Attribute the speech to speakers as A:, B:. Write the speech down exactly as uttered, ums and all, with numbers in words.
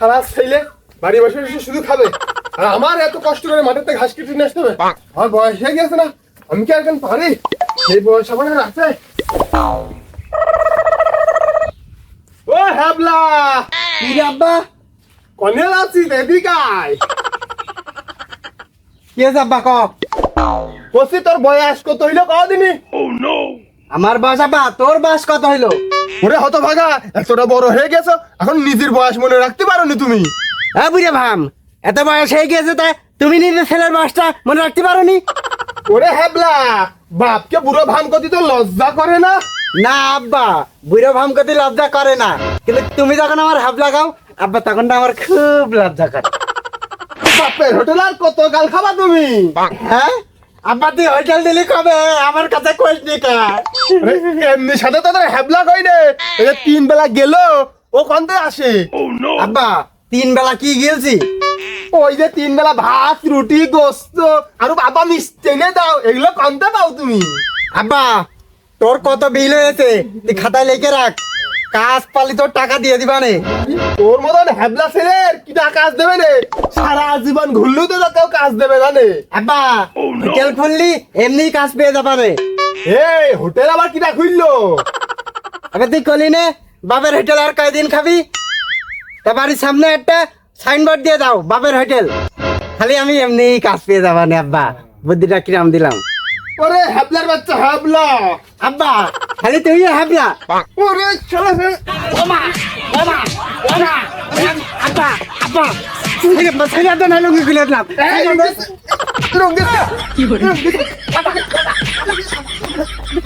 A: সারা ছেলে বাড়ি বসে বসে শুধু খাবে আর আমার এত কষ্ট করে মাঠেতে ঘাস কেটে নিয়ে আসতে হবে। আমার বয়স হয়ে গেছে না, আমি কি এখন পারি? এই বয়স আমার আর আছে? ও হ্যাবলা,
B: কি রে আব্বা?
A: কনে আছিস? এদিকে আয়।
B: কি আছে আব্বা ক?
A: বলছি তোর বয়স কত হইলো কদিনই?
B: আমার বয়স আব্বা, তোর বয়স কত হইলো?
A: ওরে হতভাগা, এতটা বড় হয়ে গেছো এখন নিজের বয়স মনে রাখতে পারোনি তুমি?
B: হ্যাঁ বুঝে ভাম, এত বয়স হয়ে গেছে তাই তুমি নিজের ছেলের বয়সটা মনে রাখতে পারোনি?
A: ওরে হ্যাবলা, বাপকে বুড়ো ভান করতে তো লজ্জা করে না?
B: না আব্বা, বুড়ো ভাম করতে লজ্জা করে না, কিন্তু তুমি যখন আমার হাব লাগাও আব্বা তখন তো আমার খুব লজ্জা করে।
A: বাপের হোটেল আর কত গাল খাবা তুমি?
B: হ্যাঁ আব্বা, তুই হোটেল দিলি কবে? আমার কাছে কইস নি কা?
A: আরে, এমনি সাথে তো তোর হ্যাবলা কই রে, এই যে তিন বেলা গেল ও কন্তে আসে?
B: আব্বা তিন বেলা কি গেলছি?
A: ওই যে তিন বেলা ভাত রুটি গোস্ত আর বাবা মিষ্টি এনে দাও, এগুলো কন্তে পাও তুমি?
B: আব্বা তোর কত বিল হয়েছে তুই খাতায় লিখে রাখ, কাজ পালি তোর টাকা দিয়ে দিবানে।
A: তোর মতন হ্যাবলা ছেলের কিটা কাজ দেবে রে? সারা জীবন ঘুরলেও তো কেউ কাজ দেবে জানে?
B: আব্বা হোটেল খুললি এমনি কাজ পেয়ে যাবানে।
A: এই হোটেল আবার কিটা খুললো?
B: আবে তুই কলি নে বাপের হোটেল আর কয়দিন খাবি? তা বাড়ির সামনে একটা সাইনবোর্ড দিয়ে দাও বাপের হোটেল, খালি আমি এমনি কাজ পেয়ে যাবানে। আব্বা বুদ্ধিটা কিরাম দিলাম।
A: ওরে হ্যাবলার বাচ্চা হ্যাবলা,
B: আব্বা খালি তুই হাবলা।
A: ওরে চলে
B: ওমা ওমা ওমা আব্বা আব্বা ছেলে ছেলে তো না লুঙ্গি খুলে দিলাম।
A: রঙে